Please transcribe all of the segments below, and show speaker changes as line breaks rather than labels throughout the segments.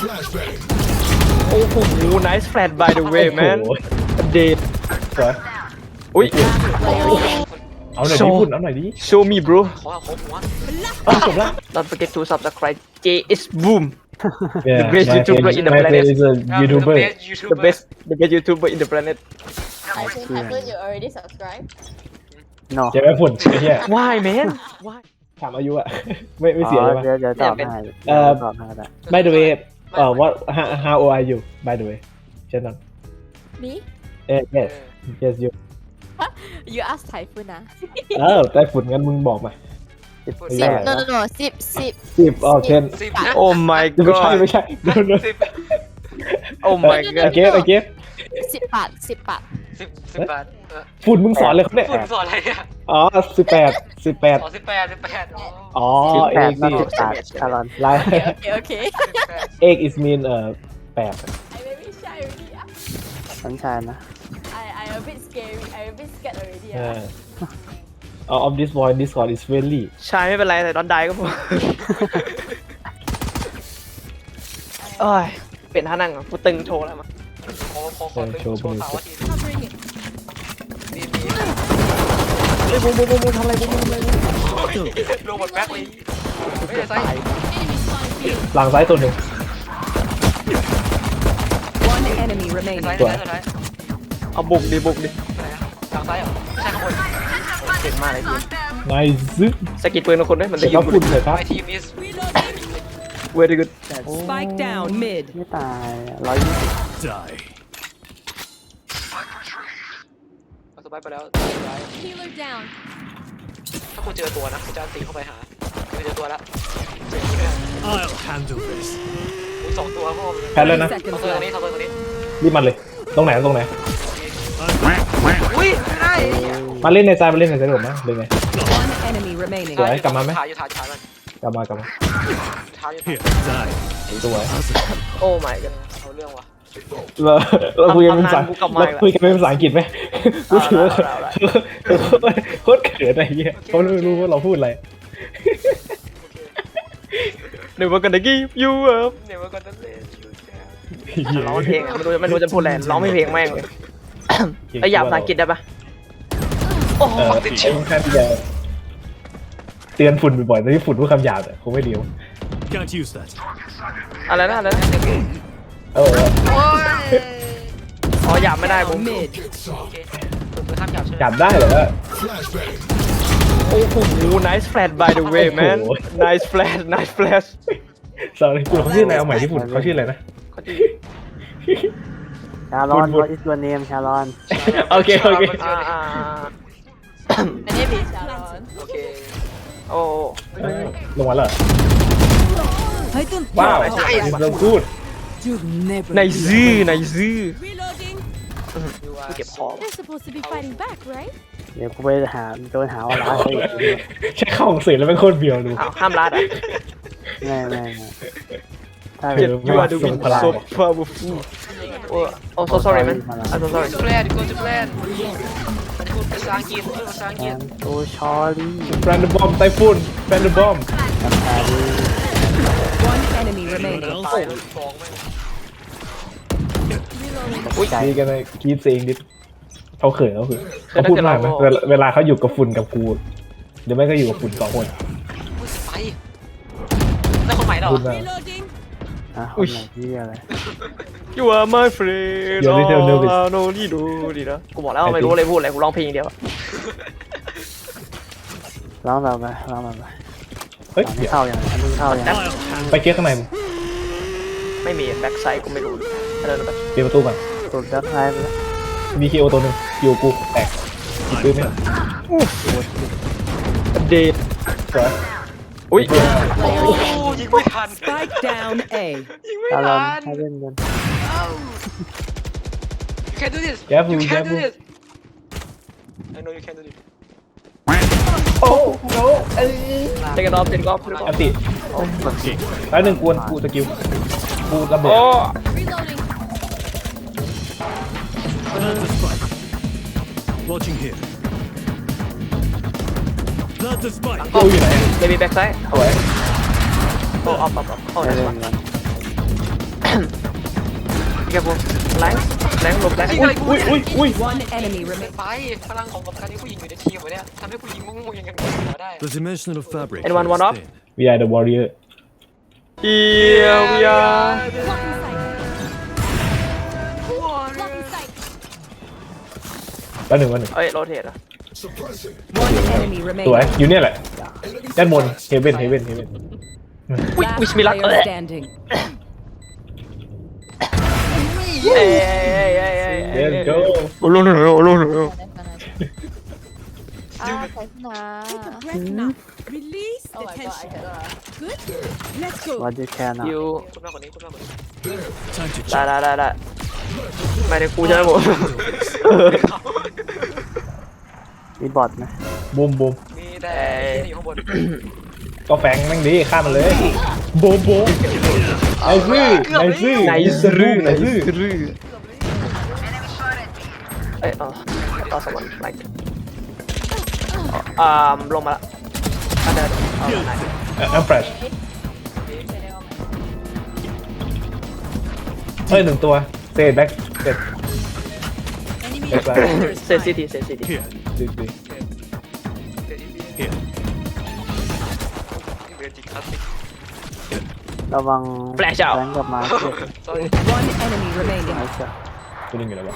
โอ้โห nice flat by the way man เดท
สวย
อุ้ย
เอาหน่อยดิพุ่นเอาหน่อยดิ
show me bro
ขอหัว
จบละ
don't forget to subscribe JS Boom
Yeah,
The best
my
YouTuber
friend-
in the
my
planet.
friend is a YouTuber
the best YouTuber in the planet
I thought you already subscribed.
no
เจ๊ไม่พุ่นไอ้เหี้ย
why man why
ถามอายุอะ ไม่เสียใช่ปะ
เดี๋ยวตอบให้
เอ่อ
ตอบให้ก็ได้
By the way what how old are you by the way เช่นนั้น
Me?
yes yes you
You asked Typhoon ah?
ไต้ฝุ่นงั้นมึงบอกมา
18
No, no, no. Sip.
10อ๋อ10
10
oh my
ไม่ใช่
god
ไม่ใช่ no no
oh my god
again
10 บาท 10 บาท
10 บาท
ฝุ่นมึงสอนเลยครับเนี่ย
ฝุ่นสอนอะไรเนี่ย
อ๋อ18
อ๋อ18
อ๋อ
แป
เอ
ด
ก
มา
นี่
18คารอน
ลาย
Okay.
เอก is mean 8
I maybe shy already. Ah.
สัญชายนะ
I a bit scary. I a bit scared already.
เอ
Ah.
อ of this boy Discord is friendly
ชายไม่เป็นไรแต่ตอนใดก็พอโอ้ยเป็นท่านั่งอ่ะกูตึงโชว์แล้วมั้ง
ขอโชว์สาวที
Covering it.
มี
เฮ้ยบูมทำอะไรบูม
โรบอทแบ็คเลยไม่ได้ใส่
หลังซ้ายตัวหนึ่ง
One enemy
ใส่
remaining.
ใส่ใส่
เอาบุกดิ
ทางซ้ายเหรอไม่ใช่ข้างบน
เก่งมากเลยทีม
nice
สกิดปืนของคนด้วยมัน
เดี๋
จะ
ยว
ยิ
ก็
ง
ฝุ่นเลยครับ
My team is
very good
Spike down mid.
ไม่ตาย120
สบายไปแล้ว
Healer down.
ถ้าคุณเจอตัวนะคุณจะตีเข้าไปหาคุณเจอตัวแล้ว
I'll handle this.
สองตัวพ่อ
แพ้แล้วนะ
ทำตัวนี้ทำตัวนี้
รีบมันเลย ตรงไหน
อุ้ยไม่ได้
มาเล่นในซ้ายมาเล่นในซ้ายผมนะเลยไง
One enemy remaining.
สวยกลับมาไหม
ถ่ายอยู่ถ่ายมัน
กลับมา
ถ่ายอยู่
Here, die.
สวย
โอ้ my god
เอาเรื่องว่ะ
เราคุยกันเป็นภาษา
กูกลับมา
เรา
อีกแล้ว
คุยกันเป็นภาษาอังกฤษไหมกูถือว่า
เอาละ
โคตรเขินอะไรเงี้ยเขาไม่รู้ว่าเราพูดอะไร
never gonna give you up
เนี่ยมันก็จะเล่นอยู่
ร้องเพลงอ่ะไม่รู้จะพูดอะไรร้องไม่เพลงแม่งเลยไอ้หยาบภาษาอังกฤษได้ปะโอ้โห
ไอ้แค่ที่จะเตือนฝุ่นบ่อยๆแต่ที่ฝุ่นพูดคำหยาบคงไม่เดียว
Can't use that.
อะไรนะ
เออ
อ๋อหยาบไม่ได้ผม
Mid.
โอเคผมคือห้ามหยาบใช่ไหม
หยาบได้เหรอ
โอ้โห nice flat by the way man
โอ้โห
nice flash
sorry คุณเขาชื่ออะไรเอาใหม่ที่ฝุ่นเขาชื่ออะไรนะ
ชารอน
บุญ
what is your name ชารอน
โอเค
อ่า
My name is Sharon.
โอเค
โอ้
ลงมาแล้ว
I don't
ว้าวเราพูด
you never.
ในซื่อ
Reloading.
เก็บของ
They're supposed to be fighting back, right?
เดี๋ยวกูไปโดนหาว่าร้านเขาอีก
ใช้เข้าของสื่อแล้วเป็นโคตรเบียวดู
อ้าวห้ามรัดอ่ะ
ไม่ถ้า
เจ็
เป็
บ
น
ยูอาร์ดูวิน so powerful โอ้ so sorry man I'm so sorry
จุแปลนกูจุแปลนอันนี้พูดภาษาอังกฤษพูดภาษาอังกฤษ
โอ้ชอรี่
แบรนด์บอมไต้ฝุ่นแบรนด์บอม
น้ำตาดี
One enemy
Anyone
remaining.
else?
ตายฟองแม่ง
อุ้ยดีกันเลยกรีดเองดิเขาเขินเขาพูดมากนะเวลาเขาอยู่กับฝุ่นกับกูหรือไม่ก็อยู่กับฝุ่นสองคน
พูดไปนั่นคนใหม่เหรอ
พูดมาก
Reloading.
อ่ะคนไหนที่อะไร
you are my friend
You're little nervous.
oh no นี่ดูดีนะกูบอกแล้วไม่รู้อะไรพูดอะไรกูร้องเพลงอย่างเดียว
ร้องแบบไปร้องแบบไป
เฮ้ย
อันนี้เข้าอย่างอันนี้เข้าอย่าง
I'll handle
ไปเก๊กข้างในมึง
ไม่มีแบ็กไซด์กูไม่รู้เดินไป
เปิดประตูก่อน
สุดดักไลฟ์แล้ว
มีคีโอตัวหนึ่งอยู่กูแตกปืนไหม
เดท
สวย
อุ้ย
โอ้ยิงไม่ทัน
Spike down A.
ยิงไม่
ชารอน
ทัน
ให้เล่นกัน
You can do this
แกฟู
You
แก
can
ฟู
do this I know you can do this
โอ้โห
เทกันออฟเทกันออฟ
อันติแล้วหนึ่งกวนกูสกิลกูระเบิด
โอ้
Reloading.
Plant the spike. Watching here. Plant the spike.
กูอยู่ไหน
ไม่มีแบ็กไซด์
สวย
โอ้ออฟโอ้
ให้
ย
เล่นกัน
แกพวกแรงหลบแรง
อุ้ย
One enemy
เป็น
remaining.
ไปพลังของการที่ผู้หญิงอยู่ในทีมวะเนี่ยทำให้ผู้หญิงงงๆอย่างกันหัวได้
The dimensional fabric.
Anyone
here
want
is
up?
thin.
we are the warrior
Here we are
Blocking sight.
แล้วหนึ่ง
เอ้ยโรเทตอ่ะ
One enemy
สวย
remaining.
อยู่เนี่ยแหละด้านบนเฮเว่น
Last
วิชมิลัก
player standing.
เอ้ย
let's go
ลุง
ใส่ขึ้นมา
Release
Oh my god I cannot
Good. Let's go.
วัดยูแคนอ่ะ
ยู
คุณมากกว่านี้คุณมากกว่านี้
Time to
ได้ไม่ได้กูใช่ไหมผม
มีบอทไหม
บูม
มีแต่ที่อยู่ข้างบน
ก็แฝงแม่งดีข้ามมันเลยบูมไอ้ซื่อไอ้ซื่อ
ไนซ์รื้อ
ไอ้ซื่อ
เอ้ยต่อสมองไลค์ลงมาละเดินไหน
อัมเฟรชเฮ้ยหนึ่งตัวเซตแบ็กเซตเซต
เซนซิที
here.
ดี
Here.
เดือนจิคลาสสิก
ระวัง
Flash out
แบงกับมาเก็ต
sorry
One enemy remaining.
มาเก็ต
ตัวนึงอยู่แล้ววะ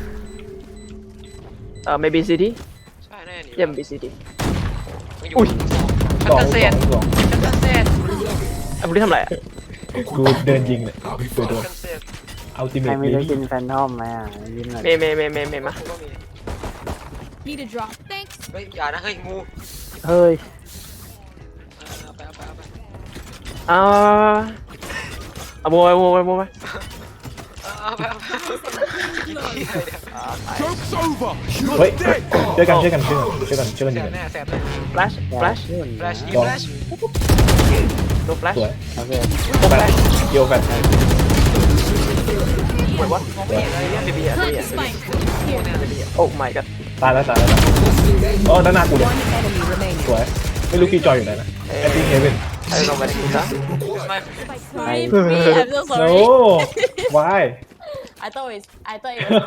maybe city
ใช่แน่นี่
เยี่ยม BCD
อุ้ยชักกระเซ็น
สอง
ชักกระเซ็น
ไอ้พวกนี้ทำไรอ่ะ
กูเดินยิงเนี่ยตัวโดน
กระเซ็น
อัลติเม
ใคร
ท
ไม่ได้กินแฟนทอมไหมอ่ะยิ้มหน่อย
เมมา
ก็มี
Need a drop. Thanks.
เฮ้ยอย่านะเฮ้ยงู
เฮ้ย
เอาไป
โบย
เอาไป
Joke's over.
เฮ้ยเจอกันยิง
แส
กับ
บ
น
แน่แสบแน่
flash
แฟลชยิงแฟลช
no flash
สวย
โอเค
แฟลชโยแฟลช
wait what
สวย
BB
Spike.
oh my god
ตายแล้วอ๋อด้านหน้ากูเลย
One enemy remaining.
สวยไม่รู้กี่จอยอยู่ไหนนะไอทีเฮเว่น
I don't know where to go
Sorry, I'm so
no
sorry.
why
I thought it was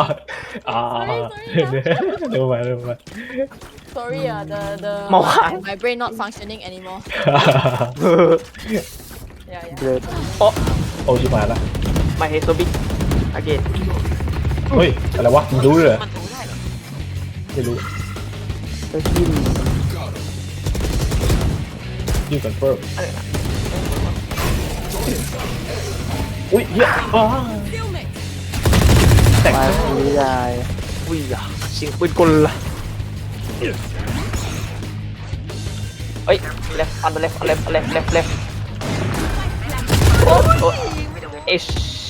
เร็วมา
sorry. The
Mauhan.
my brain not functioning anymore. Yeah.
เบรด
โอ้ชิบหายละ
my head so big again
เฮ้ยอะไรวะมึงรู้เลยเหรอ
มันถูได้เหรอ
ไม่รู้
ก็กิน
ยูคอนเฟิร์มอุ้ยเหี้ยอ๋อแต่ง
มาคุยได้
อุ้ยเสียงปืนกลละเฮ้ย left on the left โอ้ish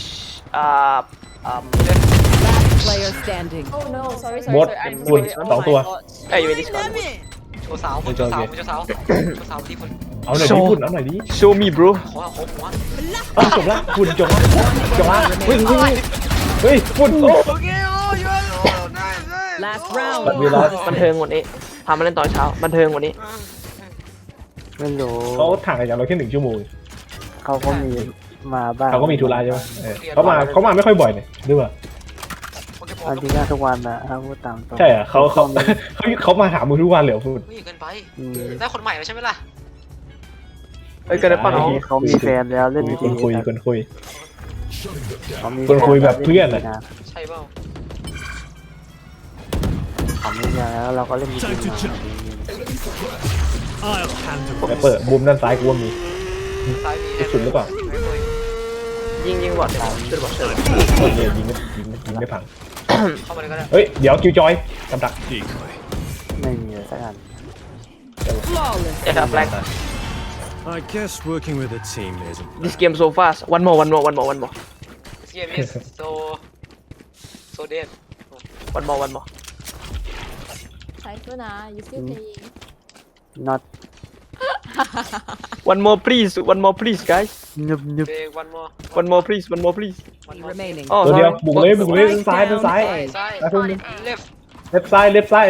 Last player standing.
Oh no, sorry.
บด
I'm
คุณ
sorry.
สองตัว
เอ้ยอยู่ใน Discord
โชว์สาวโชว์สาวที่คุณ
เอาหน่อยดิคุณเอาหน่อยดิ
show me bro
ขอหัว
เอาจบละคุณจบละเฮ้ยคุณโอ้
โอเคโอ้ย
Last
บัตร
round.
เวลา
บันเทิงกว่านี้พามาเล่นตอนเช้าบันเทิงกว่านี้
ไม่รู้
เขาถ่างกันอย่างเราแค่1 ชั่วโมง
เขาก็มีมาบ้าง
เขาก็มีธุระใช่ไหมเขามาไม่ค่อยบ่อยเนี่ยหรือเปล่า
อันที่น่าทุกวันนะถ้าพูดตามตรง
ใช่อ่ะเขามาหามึงทุกวันเลยเหรอพูด
นี่เกินไป
อืม
ได้คนใหม่แล้วใช่ไหมล่ะ
เอ้ยเกินไปป่ะน้อง
เขามีแฟนแล้วเล่น
คนคุย
เขามี
คนคุยแบบเพื่อนอะ
ใช่เปล่า
เขามีแฟนแล้วเราก็เล่นดี
Time to jump. I'll handle
แต่เปิดมุมด้านซ้ายกูว่ามี
ซ้ายมี
สุดหรือเปล่า
ยิงบอดช่วยบอดช่วย
เนี่ยยิงไม่พัง
เข้ามาเลยก็ได้
เฮ้ยเดี๋ยวคิวจอยกำดัก
decoy.
ไม่มีเลยสักอัน
Flawless.
เอ็ดแฟลก
I guess working with a team isn't.
this game so fast one more
This game is so dead
one more
Cypher na, you still playing?
not
one more please guys
นึบ
Big
one more please
one more
Remaining.
oh
ตัวเดียว
sorry
บุกเลยด้านซ้าย
ซ้าย left
เล็บซ้าย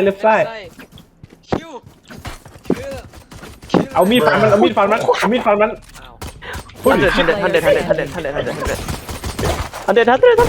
คิว
เอามีดฟันมัน
อ้าว
100 อันเดอร์ทันเดอร์
โอเค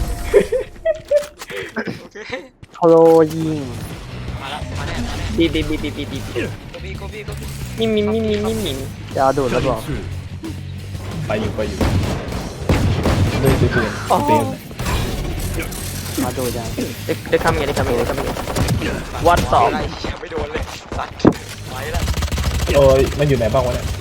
โคโลยิง
มาแล้วมาแน่
ดี
โกบี
มิม
จะเอาดูดแล้วบอก
ไปอยู่ด้วยซื้อปืนเต็ม
มาดูยัง
เด็กคำยังวัดสอง
อะไรยังไม่โดนเลยสัตว์ไปแล้ว
โอ้ยมันอยู่ไหนบ้างวะเนี่ย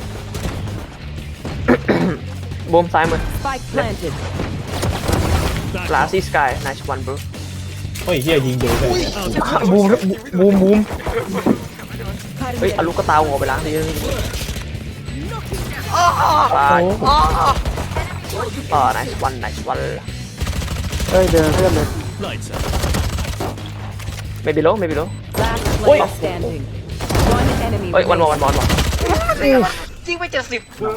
บูมซ้ายมือ
Spike planted.
ลาซี่สกาย nice one bro
โอ้ยเฮียยิงโดนเลย
บูมเฮ้ยเอาลูกกระตาหัวไปล้างดิตายnice one
เอ้ยเดินเพื่อนเลย
Lights out.
maybe low
Last
Oi.
player standing. One enemy
เฮ้ยวัน
remaining.
จริงไป70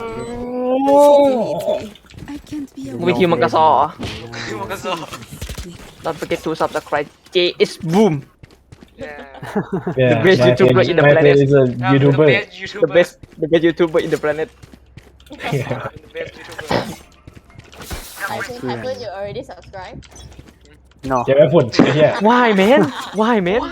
วิธีมันกระซอ
คือมันก็สอบ
don't forget to subscribe J is boom
Yeah,
best
my
YouTuber
friend-
in the
my
planet.
friend is a YouTuber.
the best YouTuber in the planet
I think you already subscribed
เนาะ
เจ๊ไม่ฝุ่นไอ้เหี้ย
why man
ว้ายไม่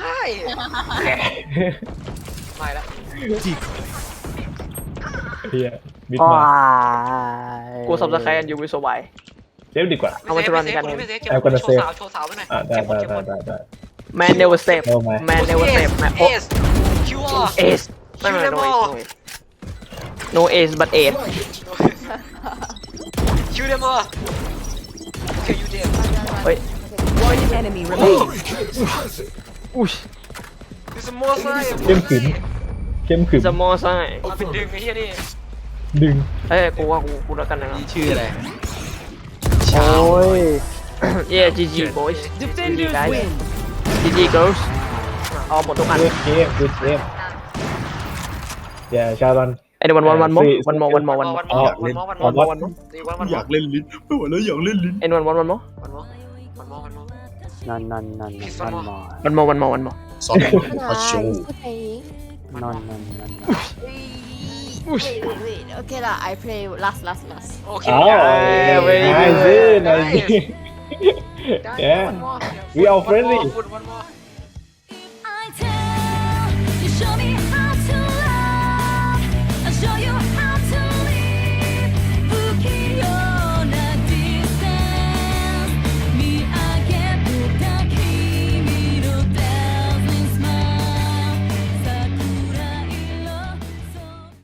ละ
Decoy.
เหี้ยบิด
ว้า
มา
ย
กู subscribe and you will survive
เจ๊ดีกว่า
เอามาจะรันกัน
ไม่เซฟ
I'm gonna
โชว์
save
สาวโชว์สาวไปหน่อย
ได้
man never save
Oh my.
man never save man
เอสคิวอาร์
ace ไม่ no ace but ace
คิวเดมอร์โอเคยูเดม
เฮ้ย
One enemy remaining.
อุ้ย
คือสมอไซ
เข้มขึ้นเข้มขึ้น
จะมอไซ
มันเป็นดึงไอ้เหี้ยนี่
ดึง
เฮ้ยกูว่ากูแล้วกันนะ
ชื่ออะไร
โอ้ย
yeah GG boys GG
Defenders
guys
win.
GG girls เอาหมดทุกอัน
good game good game yeah ชาลอน
anyone want one more one more
วันมอ
อยากเล่นลิ้นไม่ไหวแล้วอยากเล่นลิ้น
anyone want one more
นอน
one more
ขนาด you still playing
นอน
wait okay lah I play last
โอเค
อ้าว nice nice yeah we are friendly
วันมอ